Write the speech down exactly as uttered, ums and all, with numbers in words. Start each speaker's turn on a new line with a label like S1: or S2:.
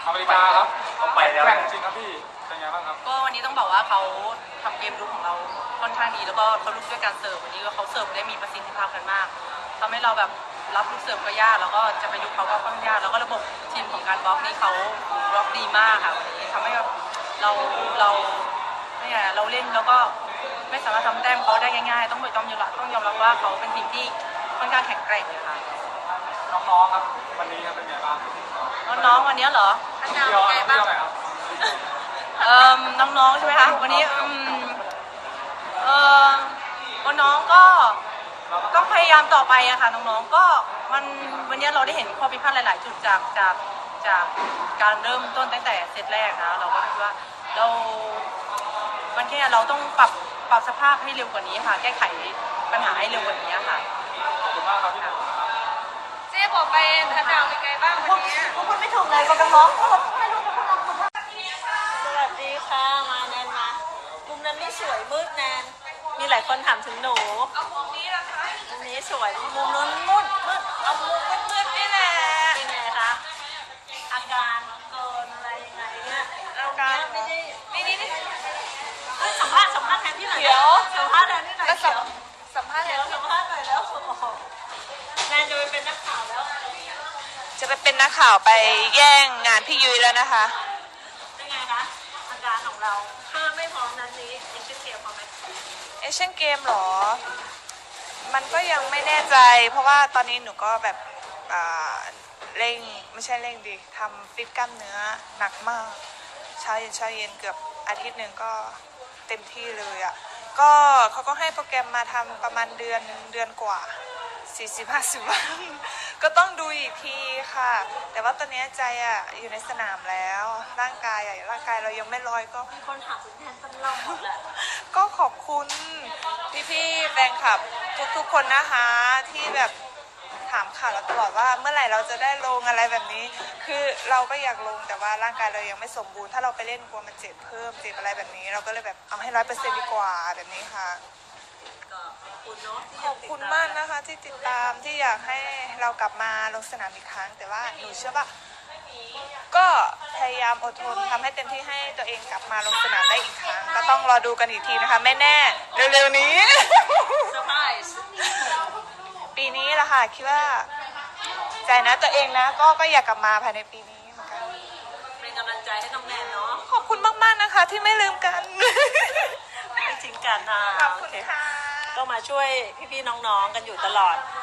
S1: อเมริกาครับ
S2: เขาไปแล้ว
S1: แกร่งจริงครับพี่เป็นไงบ้างครับ
S3: ก็วันนี้ต้องบอกว่าเขาทำเกมรุกของเราค่อนข้างดีแล้วก็เขาลุกด้วยการเสิร์ฟวันนี้ก็เขาเสิร์ฟได้มีประสิทธิภาพกันมากทำให้เราแบบรับลูกเสิร์ฟก็ยากแล้วก็จะไปยุกเขาก็ค่อนข้างยากแล้วก็ระบบทีมของการบล็อกนี่เขาบล็อกดีมากค่ะวันนี้ทำให้แบบเราเราเนี่ยเราเล่นแล้วก็ไม่สามารถทำแต้มเขาได้ง่ายๆต้องต้องยอมรับต้องยอมรับว่าเขาเป็นทีมที่ค่อนข้างแข็งแกร่งเลยค่ะ
S1: น้องๆครับวันนี้ครับเป็นไงบ้าง
S3: น้องๆวันนี้เหรออันดาวเป็นไงบ้างเอ่อน้องๆใช่ไหมคะวันนี้อืมเอ่อน้องๆก็ต้องพยายามต่อไปอะค่ะน้องๆก็มันวันนี้เราได้เห็นข้อผิดพลาดหลายๆจุดจากจากจากการเริ่มต้นตั้งแต่เซตแรกนะเราก็คิดว่าเรามันแค่เราต้องปรับปรับสภาพให้เร็วกว่านี้ค่ะแก้ไขปัญหาให้เร็วกว่านี้ค่ะ
S1: ขอบคุณมากครับพี่
S4: เจ๊บอกไปอันดาวเป็นไงบ้างวันนี้
S3: พวกคุณไม่ถูกเลยกับน้องๆก็ไม่รู้จะพูดอะไร
S5: สวัสดีค่ะมาแนนมามุมนั้นไม่สวยมืดแนนมีหลายคนถามถึงหนู
S4: เอามุมนี้ละคะ
S5: มุมนี้สวยมุมนู้นมืดมืดเอามุมมืดมืดนี่แหละเป็นไงคะอาการเกินอะไรยังไงเนี่ยอาการไม่ได้ไม่ได้นี่สัมภาษณ์สัมภาษณ์แทนที่หน่อยเดี๋ยวสัมภาษณ์แทนที่หน่อยเดี๋ยว
S4: สัมภาษณ์
S5: เดี๋ยวสัมภาษณ์หน่อยแล้วแนนจะไปเป็นนักข่าวแล้ว
S6: จะไปเป็นนักข่าวไปแย่งงานพี่ยุ้ยแล้วนะคะ
S5: เป็นไงคะอาการของเราถ้าไม่พร้อมนั้นนี้ยังเป็นเกมพอไหม
S6: เอเชียนเกมหรอมันก็ยังไม่แน่ใจเพราะว่าตอนนี้หนูก็แบบเร่งไม่ใช่เร่งดิทำฟิตกล้ามเนื้อหนักมากเช้าเย็นเช้าเย็นเกือบอาทิตย์หนึ่งก็เต็มที่เลยอ่ะก็เขาก็ให้โปรแกรมมาทำประมาณเดือนเดือนกว่าสี่สิบห้าสิบวันก็ต้องดูอีกทีค่ะแต่ว่าตอนนี้ใจอ่ะอยู่ในสนามแล้วร่างกายอ่ะร่างกายเรายังไม่ลอยก็
S5: มีคนถามถึงแทนตลอดแหละ
S6: ก็ขอบคุณพี่ๆแฟนคลับทุกๆคนนะคะที่แบบถามข่าวเราตลอดว่าเมื่อไหร่เราจะได้ลงอะไรแบบนี้คือเราก็อยากลงแต่ว่าร่างกายเรายังไม่สมบูรณ์ถ้าเราไปเล่นกลัวมันเจ็บเพิ่มเจ็บอะไรแบบนี้เราก็เลยแบบเอาให้ร้อยเปอร์เซ็นต์ดีกว่าแบบนี้ค่ะขอบคุณมากนะคะที่ติดตามที่อยากให้เรากลับมาลงสนามอีกครั้งแต่ว่าหนูเชื่อว่าก็พยายามอดทนทำให้เต็มที่ให้ตัวเองกลับมาลงสนามได้อีกครั้งก็ต้องรอดูกันอีกทีนะคะไม่แน่เร็วๆนี้ปีนี้แหละค่ะคิดว่าใจนะตัวเองนะก็ก็อยากกลับมาภายในปีนี้เหมือนกัน
S5: เป็นกำลังใจให้น้องแนนเนาะ
S6: ขอบคุณมากๆนะคะที่ไม่ลืมกัน
S5: ไม่ทิ้งกันนะ
S6: ขอบคุณค่ะ
S5: ก็มาช่วยพี่ๆน้องๆกันอยู่ตลอด